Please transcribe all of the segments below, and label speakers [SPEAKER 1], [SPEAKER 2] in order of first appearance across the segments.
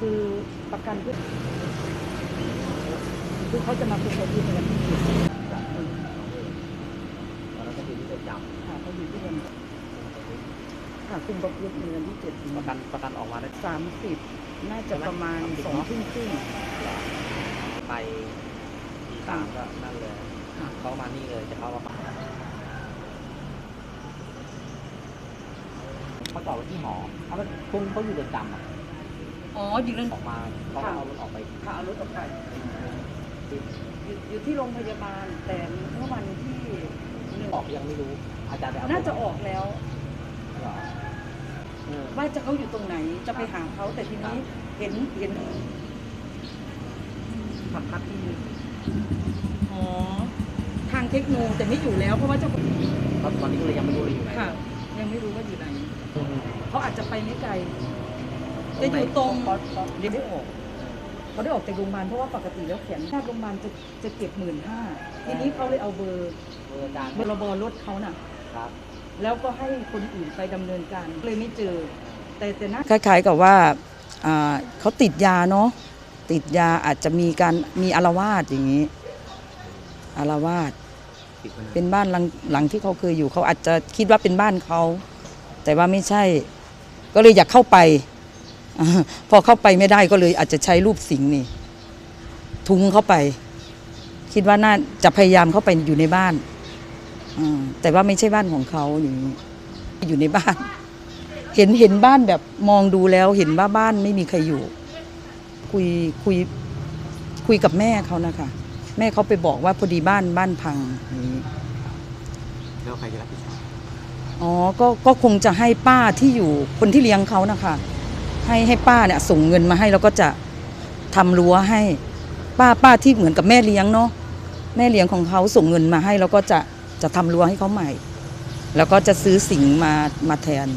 [SPEAKER 1] คือประกันเพื่อคือเขาจะมาคุยกับที่ในวันที่7
[SPEAKER 2] ตอนนั้นก็คือที่เรือนจำ
[SPEAKER 1] ค่ะเขาอยู่ที่เรือนค่ะคุมประพฤติในวันที่7
[SPEAKER 2] ประกันออกมาได้
[SPEAKER 1] 30น่าจะประมาณ2 ทุ่มครึ่ง
[SPEAKER 2] ไปตีสามก็นั่นเลยเขามานี่เลยจะเข้ามาเขาต่อไปที่หอเขาพุ่งเขาอยู่เรือนจำ
[SPEAKER 1] อ๋ออยู่เรือน
[SPEAKER 2] ออกมาเขาเอารถออกไป
[SPEAKER 1] ค่ะเอารถออกไปอยู่ที่โรงพยาบาลแต่เมื่อวันที่
[SPEAKER 2] ออกยังไม่รู้อาจารย์
[SPEAKER 1] น่าจะออกแล้วว่าจะเขาอยู่ตรงไหนจะไปหาเขาแต่ทีนี้เห็นพักที่อ๋อทางเทคโนแต่ไม่อยู่แล้วเพราะว่าเจ้า
[SPEAKER 2] ตอนนี้ก็เลยยังไม่รู้เลยอยู่ไหน
[SPEAKER 1] ค่ะยังไม่รู้ว่าอยู่ไหนเขาอาจจะไปไม่ไกลจะอยู่ตรงเดี๋ยวได้ออกเขาได้ออกจากโรงพยาบาลเพราะว่าปกติแล้วแขนแพทย์โรงพยาบาลจะเก็บ15,000ทีนี้เขาเลยเอาเบอร์ระบรถเขาน่ะแล้วก็ให้คนอื่นไปดำเนินการเลยไม่เจอแต่น่าคล้ายๆกับว่าเขาติดยาเนาะติดยาอาจจะมีอาละวาดอย่างนี้อาละวาดเป็นบ้านหลังที่เขาเคยอยู่เขาอาจจะคิดว่าเป็นบ้านเขาแต่ว่าไม่ใช่ก็เลยอยากเข้าไปพอเข้าไปไม่ได้ก็เลยอาจจะใช้รูปสิงห์นี่ทุงเข้าไปคิดว่าน่าจะพยายามเข้าไปอยู่ในบ้านแต่ว่าไม่ใช่บ้านของเขาอย่างนี้อยู่ในบ้านเห็นบ้านแบบมองดูแล้วเห็นว่าบ้านไม่มีใครอยู่คุยกับแม่เขานะคะแม่เขาไปบอกว่าพอดีบ้านพังนี้
[SPEAKER 2] แล้วใครจะรับผิดชอบ
[SPEAKER 1] อ๋อก็คงจะให้ป้าที่อยู่คนที่เลี้ยงเขานะคะให้ป้าเนี่ยส่งเงินมาให้แล้วก็จะทำรั้วให้ป้าที่เหมือนกับแม่เลี้ยงเนาะแม่เลี้ยงของเขาส่งเงินมาให้แล้วก็จะทำรั้วให้เขาใหม่แล้วก็จะซื้อสิงมาแทน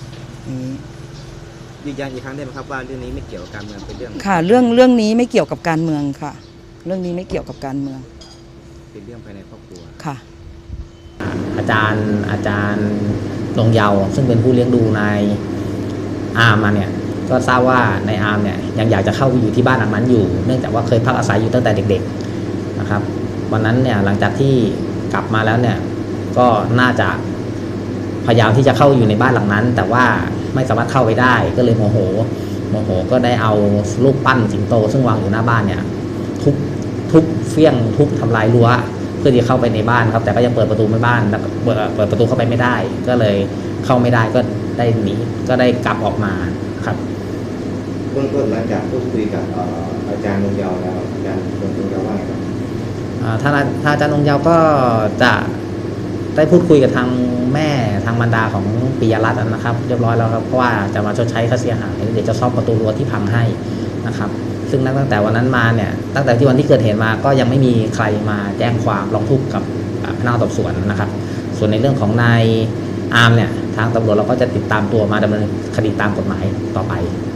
[SPEAKER 2] ยืนยันอีกครั้งได้ไหมครับว่าเรื่องนี้ไม่เกี่ยวกับการเมืองเป็นเรื่อง
[SPEAKER 1] ค่ะเรื่องนี้ไม่เกี่ยวกับการเมืองค่ะเรื่องนี้ไม่เกี่ยวกับการเมือง
[SPEAKER 2] เป็นเรื่องภายในครอบครัว
[SPEAKER 1] ค่ะ
[SPEAKER 3] อาจารย์ลงเยาว์ซึ่งเป็นผู้เลี้ยงดูนายอาร์มมาเนี่ยก็ทราบว่านายอาร์มเนี่ยยังอยากจะเข้าไปอยู่ที่บ้านหลังนั้นอยู่เนื่องจากว่าเคยพักอาศัยอยู่ตั้งแต่เด็กๆนะครับวันนั้นเนี่ยหลังจากที่กลับมาแล้วเนี่ยก็น่าจะพยายามที่จะเข้าอยู่ในบ้านหลังนั้นแต่ว่าไม่สามารถเข้าไปได้ก็เลยโมโหก็ได้เอารูปปั้นสิงโตซึ่งวางอยู่หน้าบ้านเนี่ยทุบเฟี้ยงทุบทำลายรั้วเพื่อที่เข้าไปในบ้านครับแต่ก็ยังเปิดประตูไม่บ้านแล้วเปิดประตูเข้าไปไม่ได้ก็เลยเข้าไม่ได้ก็ได้หนีก็ได้กลับออกมาครับ
[SPEAKER 4] เบื้องต้นหลังจากพูดคุยกับอาจารย์ลงเยาว์แล้วอาจารย์ลงเยาว์ว่าไงครับ
[SPEAKER 3] ถ้าอาจารย์ลงเยาว์ก็จะได้พูดคุยกับทางแม่ทางมารดาของปิยรัตน์นะครับเรียบร้อยแล้วครับเพราะว่าจะมาชดใช้ค่าเสียหายเดี๋ยวจะซ่อมประตูรั้วที่พังให้นะครับซึ่งตั้งแต่วันนั้นมาเนี่ยตั้งแต่ที่วันที่เกิดเหตุมาก็ยังไม่มีใครมาแจ้งความร้องทุกข์กับพนักงานสอบสวนนะครับส่วนในเรื่องของนายอาร์มเนี่ยทางตำรวจเราก็จะติดตามตัวมาดำเนินคดีตามกฎหมายต่อไป